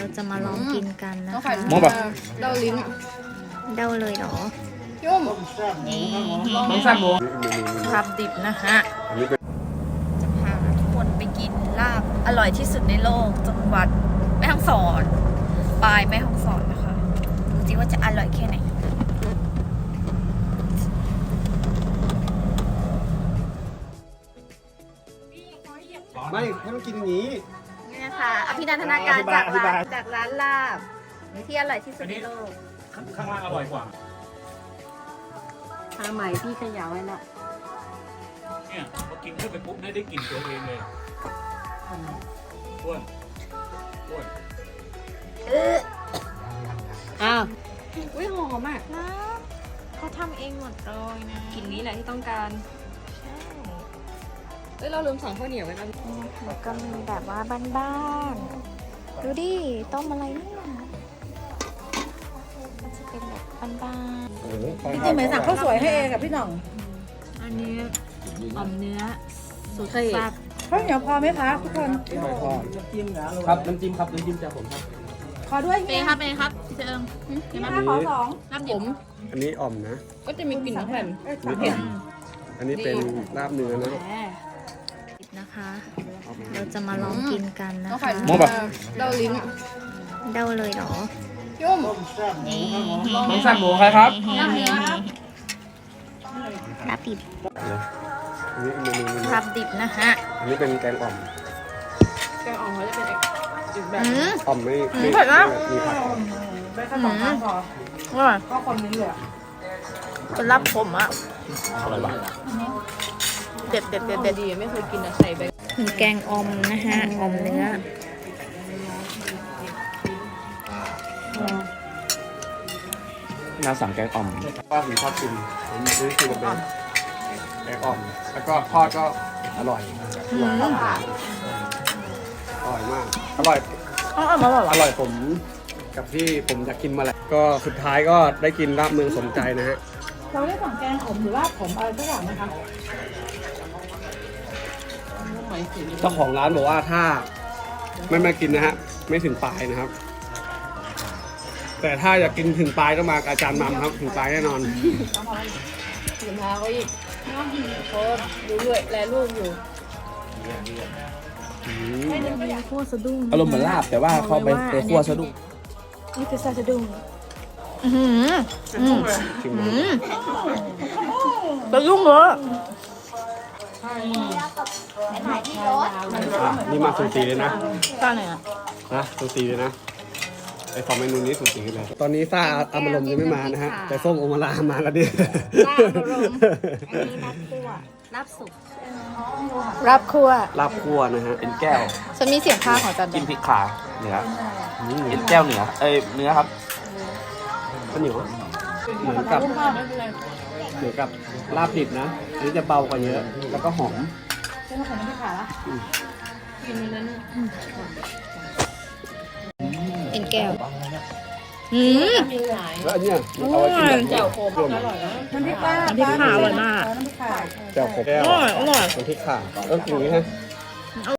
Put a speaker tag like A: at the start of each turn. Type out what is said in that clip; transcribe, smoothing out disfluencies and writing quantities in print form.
A: เราจะมาลองกินกันนะคะ
B: มองแบบ
C: เดาลิ้น
A: เดาเลยเหรอ
C: ยุ่ม
B: น้องแซ่บหมู
A: ลาบดิบนะฮะจะพาทุกคนไปกินลาบอร่อยที่สุดในโลกจังหวัดแม่ฮ่องสอนปลายแม่ฮ่องสอนนะคะดูสิว่าจะอร่อยแค่ไหน
D: ไม่ให้มันกินอย่างนี้
A: นี่นะคะอภินันทนาการจากร้านลาบที่อร่อยที่สุดในโลก
B: ข้างล่างอร่อยกว่า
C: ทาใหม่พี่ขยาวไว้ละ
B: เนี่ยพอกินเข้าไปปุ๊บได้กลิ่นตัวเองเลยอ้วนอ้วน
C: อ้าวอุ้ยหอมอ่ะ
A: นะเขาทำเองหมดเลยนะ
C: กลิ่นนี้แหละที่ต้องการเอ้ยเราลืมสั่งข้าวเหนียวไว้นะ
A: แล้วก็มีแบบว่าบ้านๆดูดิต้มอะไรเนี่ยมันจะเป็นแบบบ้าน
E: พี่จิ๋มเหมือนสั่งข้าวสวยให้เองกับพี่หน่อง
A: ๆอันนี้อ่อมเนื้อสุดแซ่บ
E: ข้าวเหนียวพอไหมคะทุกคน
D: ครับน้ำจิ้มครับน้ำจิ้มจากผมครับ
E: ขอด้วย
A: เป้ครับเป้ครับพี่เชิง
E: พี่มาขอสอง
A: น้ำดิบ
D: อันนี้อ่อมนะ
C: ก็จะมีกลิ่นแผ่น
D: อันนี้เป็นลาบเนื้อนะ
A: นะคะ เราจะมาลองกินกันนะ
C: ต้อง
A: คะ
B: มองแบบ
C: เดาลิ้น
A: เดาเลยเหรอ
C: ยุ่ม
B: น้องแซ่บหมูใครครับ
A: ลาบดิบ
D: อันนี้เมนูนี้
A: ลาบดิบนะฮะ
D: อันนี้เป็นแกงอ่อม
C: แกงอ่อมเขาจะเป็นอีกแบบ
D: อ่อมไม่
A: เผ็ดนะ
D: มีผัก
E: ได้แค่สองข้างพอ
A: อร่อย
E: ก็คนนึงเลย
A: เป็นลาบผมอ่ะ
D: อร่อยปะ
A: เด็ดเด็ดเด็ด
C: แต่
A: เด็ด
C: ดีไม่เคยกินอะใส่ไป
A: มีแกงอ่อมนะฮะอ่อมเนื้อ
B: น่าสั่งแกงอ่อม
D: ว่าผมชอบกินผมซื้อกินกับแกงอ่อม แล้วก็ทอดก็อร่อยอร่อยมากอร่อย
A: อ๋อมาบอก
D: อร่อยผมกับที่ผมอยากกินมาแหละก็สุดท้ายก็ได้กินลาบเมืองสมใจนะฮะ
E: เราได้สั่งแกงขมหรือว่าขมอะไรสักอย่างไหมคะ
D: เจ้าของร้านบอกว่าถ้าไม่มากินนะฮะไม่ถึงปลายนะครับ แต่ถ้าอยากกินถึงปลายต้องมากับอาจารย์มัมครับถึงปลายแน่นอน
C: สินค้าเขาอีกโคตรดูด้วยแลลูกอยู่
A: คั่วสะดุ้ง
B: อารมณ์เหมือนลาบแต่ว่าเขาไปคั่วสะดุ้ง
A: นี่คือซาสะดุ้งอือหือ
D: ชิม
A: สะดุ้งเหรอ
D: นี่มาสูสีเลยนะ
A: ตาไหนอ่ะ
D: สูสีเลยนะไอ้สองเมนูนี้สูสีกันเลยตอนนี้ซ่าอามารมณ์ยังไม่มานะฮะแต่ส้มโอมาลามาแล้วดิ
A: ลาบอารมณ์อันนี้ลาบคั่วลาบสุกลาบคั่ว
D: ลาบคั่วนะฮะ
B: เป็นแก้ว
A: ฉันมีเสียงพากย์ของจัน
B: จิ้มพริกขาเนื้อเป็นแก้วเนื้อเนื้อครับ
D: ข้าวเหนียวเหมือนกับลาบดิบนะอันนี้จะเบากว่าเยอะ แล้วก็หอม
E: เส้นขนมที่ขาละ
A: เป็นแก้วอืม
D: แล้วอันเนี้ยเอาไว้กินแบบ
C: แจ่วโคม
D: รวม
C: อร่อยนะ
E: น้ำพริกปลา
A: น้ำพริกขาอร่อยมาก
E: น้ำพริกขา
D: แจ่วขมแก้ว
A: อร่อย
D: น้ำพริกข่าก็กินอย่างนี้ฮะ